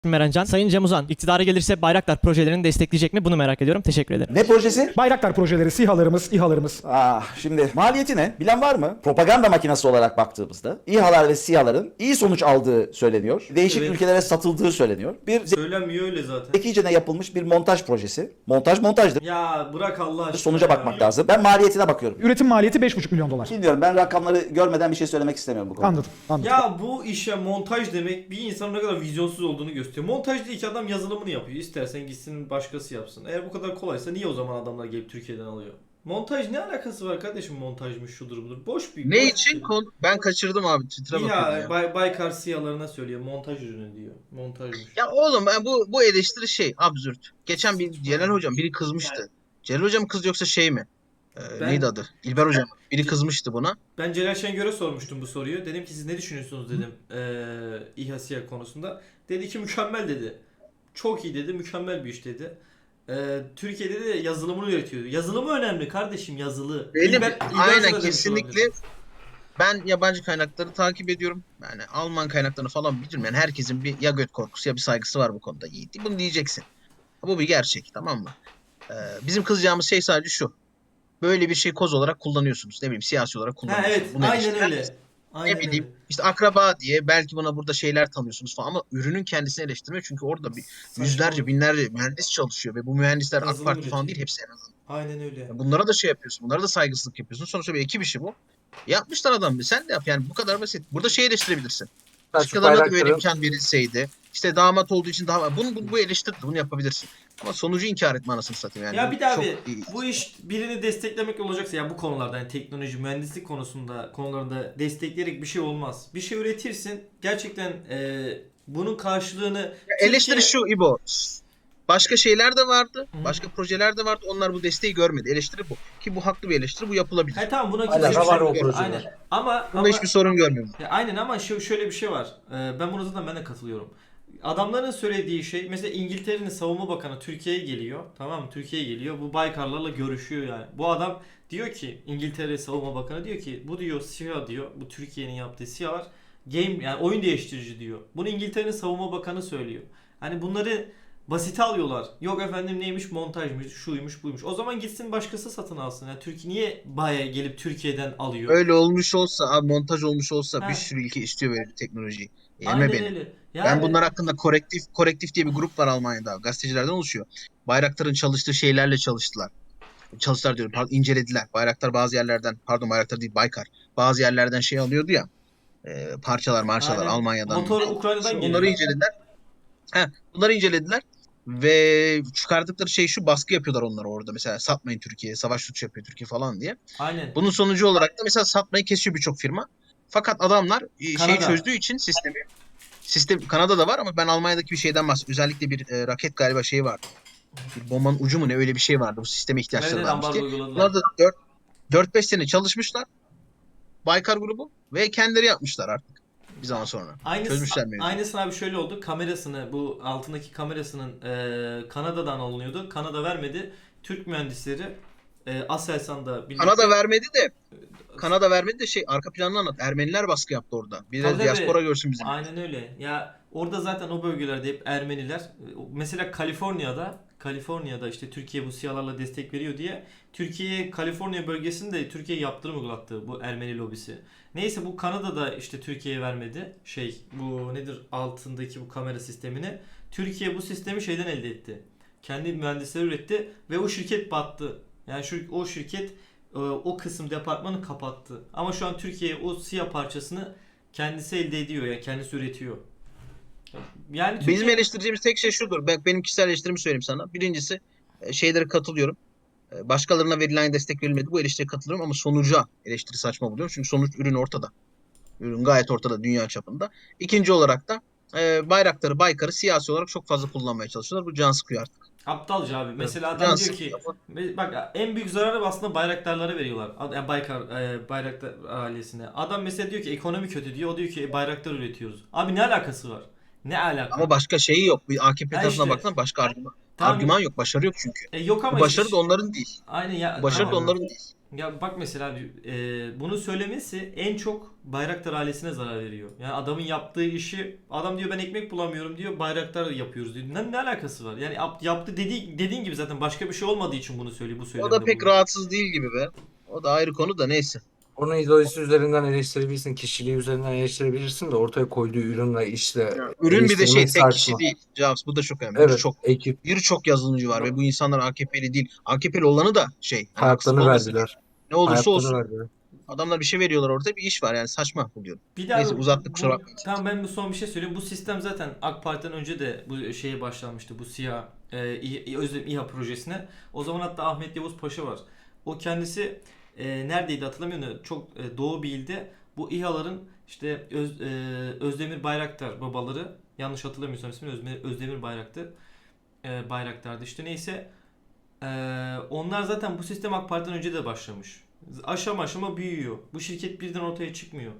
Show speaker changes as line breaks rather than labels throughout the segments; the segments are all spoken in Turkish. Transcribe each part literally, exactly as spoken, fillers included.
Merancan. Sayın Cem Uzan, iktidara gelirse Bayraktar projelerini destekleyecek mi? Bunu merak ediyorum. Teşekkür ederim.
Ne projesi?
Bayraktar projeleri, SİHA'larımız, İHA'larımız.
Ah, şimdi maliyeti ne? Bilen var mı? Propaganda makinesi olarak baktığımızda İHA'lar ve SİHA'ların iyi sonuç aldığı söyleniyor. Değişik
Evet.
ülkelere satıldığı söyleniyor. Bir
Söylenmiyor öyle zaten.
zekicene yapılmış bir montaj projesi. Montaj montajdır.
Ya bırak Allah aşkına.
Sonuca
ya.
bakmak lazım. Ben maliyetine bakıyorum.
Üretim maliyeti beş buçuk milyon dolar.
Bilmiyorum, ben rakamları görmeden bir şey söylemek istemiyorum bu konuda.
Anladım, anladım.
Ya bu işe montaj demek bir insanın ne kadar vizyonsuz olduğunu gösteriyor. Montaj değil ki, adam yazılımını yapıyor. İstersen gitsin başkası yapsın. Eğer bu kadar kolaysa niye o zaman adamlar gelip Türkiye'den alıyor? Montaj ne alakası var kardeşim, montajmış şudur budur. Boş bir...
Ne
boş
için?
bir-
Kon- ben kaçırdım abi. Twitter'a bakıyordum
Ya,
ya.
Bay, Baykar SİHA'larına söylüyor. Montaj ürünü diyor. Montajmış.
Ya oğlum ben bu bu eleştiri şey absürt. Geçen bir Celal hocam biri kızmıştı. Celal hocam kız yoksa şey mi? Ee,
Ben-
Neydi adı? İlber hocam. Biri kızmıştı buna.
Ben Celal Şengör'e sormuştum bu soruyu. Dedim ki siz ne düşünüyorsunuz dedim eee İHA SİHA konusunda. Dedi ki mükemmel dedi. Çok iyi dedi, mükemmel bir iş dedi. Eee Türkiye'de de yazılımını üretiyor. Yazılımı önemli kardeşim, yazılı.
Benim
İlber- İlber Hoca da
aynen
demiş
kesinlikle
olabilir.
ben yabancı kaynakları takip ediyorum. Yani Alman kaynaklarını falan bilirim. Yani herkesin bir ya göt korkusu ya bir saygısı var bu konuda Yiğit. Bunu diyeceksin. Bu bir gerçek, tamam mı? Ee, bizim kızacağımız şey sadece şu. Böyle bir şey koz olarak kullanıyorsunuz. Ne bileyim siyasi olarak
Ha
kullanıyorsunuz.
evet,
Bunu
aynen
eleştiren
öyle. Aynen
ne bileyim
öyle.
işte akraba diye belki buna burada şeyler tanıyorsunuz falan ama ürünün kendisini eleştirme çünkü orada bir
Saçma.
yüzlerce binlerce mühendis çalışıyor ve bu mühendisler AK
Yazılım
Parti falan
üretiyor.
değil, hepsi en azından.
Aynen öyle.
Yani bunlara da şey yapıyorsun, bunlara da saygısızlık yapıyorsun. Sonuçta bir ekip işi bu. Yapmışlar adam, sen de yap yani, bu kadar basit. Burada şey eleştirebilirsin. Başkalarına da böyle imkan verilseydi. İşte damat olduğu için daha bunu bu, bu eleştir, bunu yapabilirsin. Ama sonucu inkar etme anasını satayım yani.
Ya bir daha
Çok
bir
iyi.
bu iş birini desteklemek olacaksa ya bu konularda, yani teknoloji, mühendislik konusunda konularında destekleyerek bir şey olmaz. Bir şey üretirsin. Gerçekten e, bunun karşılığını
Ya eleştiri
Türkiye-
şu İbo. Başka şeyler de vardı.
Hı.
Başka projeler de vardı. Onlar bu desteği görmedi. Eleştiri bu. Ki bu haklı bir eleştiri. Bu yapılabilir.
He tamam, buna
Hala
kimse bir
var
şey
o
yok.
projeler.
Aynen. Ama
Bunda
ama
hiçbir sorun görmüyorum.
ya aynen ama şu şöyle bir şey var. Ee, ben buna zaten ben de katılıyorum. Adamların söylediği şey, mesela İngiltere'nin savunma bakanı Türkiye'ye geliyor. Tamam mı? Türkiye'ye geliyor. Bu Baykarlarla görüşüyor yani. Bu adam diyor ki, İngiltere savunma bakanı diyor ki bu diyor SİHA diyor. Bu Türkiye'nin yaptığı SİHA'lar game, yani oyun değiştirici diyor. Bunu İngiltere'nin savunma bakanı söylüyor. Hani bunları basite alıyorlar. Yok efendim neymiş, montajmış, şuymuş, buymuş. O zaman gitsin başkası satın alsın. Yani Türkiye niye Bay'a gelip Türkiye'den alıyor?
Öyle olmuş olsa, abi montaj olmuş olsa
Ha.
bir sürü ülke istiyor böyle bir teknolojiyi. Yeme
Aynen
beni.
öyle.
Ben
Yani-
bunlar hakkında korektif korektif diye bir grup var Almanya'da. Gazetecilerden oluşuyor. Bayraktar'ın çalıştığı şeylerle çalıştılar. Çalıştılar diyorum. Pardon, incelediler. Bayraktar bazı yerlerden, pardon Bayraktar değil Baykar. Bazı yerlerden şey alıyordu ya. E, parçalar, marşalar
Aynen.
Almanya'dan.
Motor Ukrayna'dan
Onları
geliyor.
incelediler. He, bunları incelediler. Ve çıkardıkları şey şu, baskı yapıyorlar onlara orada. Mesela satmayın Türkiye'ye, savaş suçu yapıyor Türkiye falan diye.
Aynen.
Bunun sonucu olarak da mesela satmayı kesiyor birçok firma. Fakat adamlar e, şeyi
Kanada.
çözdüğü için sistemi. Sistem Kanada'da var ama ben Almanya'daki bir şeyden bahsediyorum. Özellikle bir e, raket galiba şeyi vardı. Bir bombanın ucu mu ne, öyle bir şey vardı. Bu sisteme ihtiyaçları
Nereden
varmış
ambargo
diye.
uyguladılar?
Bunlar da dört beş sene çalışmışlar. Baykar grubu ve kendileri yapmışlar artık bir zaman sonra.
Aynısı,
Çözmüşler mevzuyu.
aynısını abi şöyle oldu. Kamerasını, bu altındaki kamerasının e, Kanada'dan alınıyordu. Kanada vermedi. Türk mühendisleri e, Aselsan'da birlikte...
Kanada vermedi de Kanada vermedi de şey, arka planını anlat. Ermeniler baskı yaptı orada. Bir de
Tabii, tabii.
diaspora görsün bizim.
Aynen öyle. Ya orada zaten o bölgelerde hep Ermeniler. Mesela Kaliforniya'da Kaliforniya'da işte Türkiye bu SİHA'larla destek veriyor diye Türkiye Kaliforniya bölgesinde Türkiye yaptırım uygulattı bu Ermeni lobisi. Neyse bu Kanada'da işte Türkiye'ye vermedi. Şey, bu nedir, altındaki bu kamera sistemini. Türkiye bu sistemi şeyden elde etti. Kendi mühendisleri üretti ve o şirket battı. Yani şu o şirket e, o kısım departmanı kapattı. Ama şu an Türkiye o SİHA parçasını kendisi elde ediyor, ya yani kendisi üretiyor. Yani Türkiye...
Bizim eleştireceğimiz tek şey şudur. Ben, benim kişisel eleştirimi söyleyeyim sana. Birincisi e, şeylere katılıyorum. E, Başkalarına verilen destek verilmedi. Bu eleştiriye katılıyorum ama sonuca eleştiri saçma buluyorum. Çünkü sonuç, ürün ortada. Ürün gayet ortada dünya çapında. İkinci olarak da e, Bayraktar'ı, Baykar'ı siyasi olarak çok fazla kullanmaya çalışıyorlar. Bu can sıkıyor artık.
Aptalca abi. Mesela
Can
adam diyor ki
sıkıyor.
bak, en büyük zararı aslında bayraktarlara veriyorlar. Ad- Yani Baykar e, Bayraktar ailesine. Adam mesela diyor ki ekonomi kötü diyor. O diyor ki e, bayraktar üretiyoruz. Abi ne alakası var? Ne alaka?
Ama başka şeyi yok. Bir A K P
Ha
tarafına
işte.
baksana, başka argüman,
Tamam.
argüman yok. Başarı yok çünkü.
E, yok ama
Bu başarı
işte-
da onların değil.
Aynen ya.
Bu başarı da
tamam.
onların değil.
Ya bak mesela abi, e, bunu söylemesi en çok Bayraktar ailesine zarar veriyor. Yani adamın yaptığı işi, adam diyor ben ekmek bulamıyorum diyor, Bayraktar yapıyoruz diyor. Ne, ne alakası var? Yani yap- yaptı dediği, dediğin gibi zaten başka bir şey olmadığı için bunu söylüyor, bu
O
söylemde
da pek
bulunuyor.
rahatsız değil gibi be. O da ayrı konu da neyse.
Onu ideolojisi üzerinden eleştirebilirsin, kişiliği üzerinden eleştirebilirsin de ortaya koyduğu ürünle işte
Ürün bir de şey
eleştirmek
tek kişi
saçma.
değil. Javs bu da çok önemli.
Evet,
Çok
ekip
birçok yazılımcı var ve bu insanlar A K P'li değil. A K P'li olanı da şey. Yani haksız
hayatlarını
olmasın.
verdiler.
Ne olursa
Hayatlarını
olsun.
verdiler.
Adamlar bir şey veriyorlar orada bir iş var yani saçma buluyorum.
Bir daha
Neyse, uzattık, kusura
bu-
bakmayın.
Tamam ben bu son bir şey söyleyeyim. Bu sistem zaten AK Parti'den önce de bu şeye başlanmıştı. Bu SİHA, e, İ- Özlem İHA projesine. O zaman hatta Ahmet Yavuz Paşa var. O kendisi e, neredeydi hatırlamıyorum da çok e, Doğu bir ilde bu İHA'ların işte Öz, e, Özdemir Bayraktar babaları, yanlış hatırlamıyorsam ismini Özdemir, Özdemir Bayraktar e, Bayraktar'dı işte neyse. E, onlar zaten bu sistem AK Parti'den önce de başlamış. Aşama aşama büyüyor. Bu şirket birden ortaya çıkmıyor.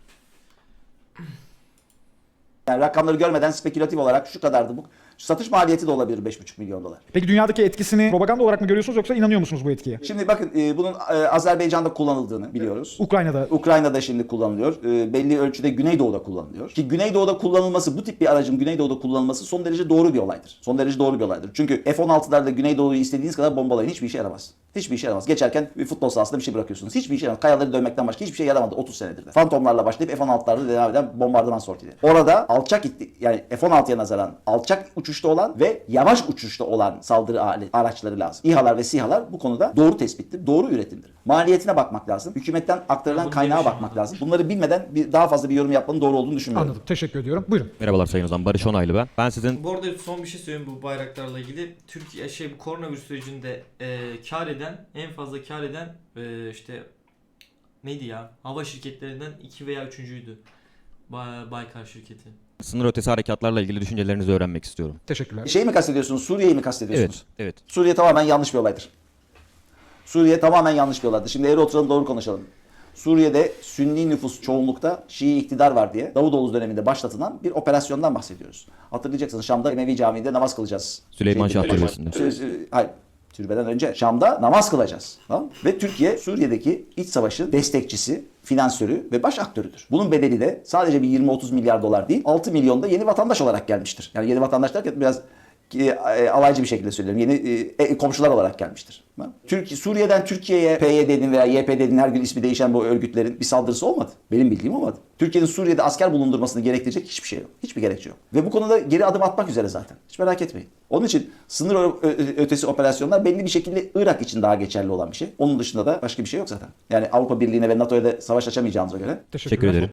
Yani rakamları görmeden spekülatif olarak şu kadardı bu. Satış maliyeti de olabilir beş buçuk milyon dolar.
Peki dünyadaki etkisini propaganda olarak mı görüyorsunuz yoksa inanıyor musunuz bu etkiye?
Şimdi bakın e, bunun e, Azerbaycan'da kullanıldığını biliyoruz.
Ukrayna'da
Ukrayna'da şimdi kullanılıyor. E, belli ölçüde Güneydoğu'da kullanılıyor. Ki Güneydoğu'da kullanılması, bu tip bir aracın Güneydoğu'da kullanılması son derece doğru bir olaydır. Son derece doğru bir olaydır. Çünkü F on altılarla Güneydoğu'yu istediğiniz kadar bombalayın. Hiçbir işe yaramaz. Hiçbir işe yaramaz. Geçerken bir futbol sahasında bir şey bırakıyorsunuz. Hiçbir işe yaramaz. Kayaları dönmekten başka hiçbir şey yaramadı otuz senedir de. Fantomlarla başlayıp F on altılarla devam eden bombardıman sortileri. Orada alçak itti, yani F on altıya nazaran alçak uçuşta olan ve yavaş uçuşta olan saldırı alet, araçları lazım. İHA'lar ve SİHA'lar bu konuda doğru tespittir, doğru üretimdir. Maliyetine bakmak lazım. Hükümetten aktarılan
Bunu
kaynağa
demişim
bakmak
ama.
lazım. Bunları bilmeden bir, daha fazla bir yorum yapmanın doğru olduğunu düşünmüyorum.
anladım. Teşekkür ediyorum. Buyurun.
Merhabalar Sayın Ozan. Barış Onaylı ben. Ben sizin
Bu arada son bir şey söyleyeyim bu bayraklarla ilgili. Türkiye şey bu koronavirüs sürecinde e, kar eden, en fazla kar eden e, işte neydi ya? Hava şirketlerinden iki veya üçüncüydü. Bay, Baykar şirketi.
sınır ötesi harekatlarla ilgili düşüncelerinizi öğrenmek istiyorum.
Teşekkürler.
Şey mi kastediyorsunuz? Suriye'yi mi kastediyorsunuz?
Evet, evet.
Suriye tamamen yanlış bir olaydır. Suriye tamamen yanlış bir olaydır. Şimdi eğri oturalım doğru konuşalım. Suriye'de Sünni nüfus çoğunlukta Şii iktidar var diye Davutoğlu döneminde başlatılan bir operasyondan bahsediyoruz. Hatırlayacaksınız Şam'da Emevi Camii'nde namaz kılacağız.
Süleyman
Şey-
Şah Türbesi'nde.
Sü- Hayır. Türbeden önce Şam'da namaz kılacağız. Tamam? Ve Türkiye Suriye'deki iç savaşın destekçisi, finansörü ve baş aktörüdür. Bunun bedeli de sadece bir yirmi otuz milyar dolar değil, altı milyonda yeni vatandaş olarak gelmiştir. Yani yeni vatandaş derken biraz e, e, alaycı bir şekilde söylüyorum. Yeni e, e, komşular olarak gelmiştir. Tamam? Türkiye, Suriye'den Türkiye'ye P Y D'nin veya Y P D'nin her gün ismi değişen bu örgütlerin bir saldırısı olmadı. Benim bildiğim olmadı. Türkiye'nin Suriye'de asker bulundurmasını gerektirecek hiçbir şey yok. Hiçbir gerekçe yok. Ve bu konuda geri adım atmak üzere zaten. Hiç merak etmeyin. Onun için sınır ö- ö- ötesi operasyonlar belli bir şekilde Irak için daha geçerli olan bir şey. Onun dışında da başka bir şey yok zaten. Yani Avrupa Birliği'ne ve NATO'ya da savaş açamayacağımıza göre
Teşekkürler.
Teşekkür ederim.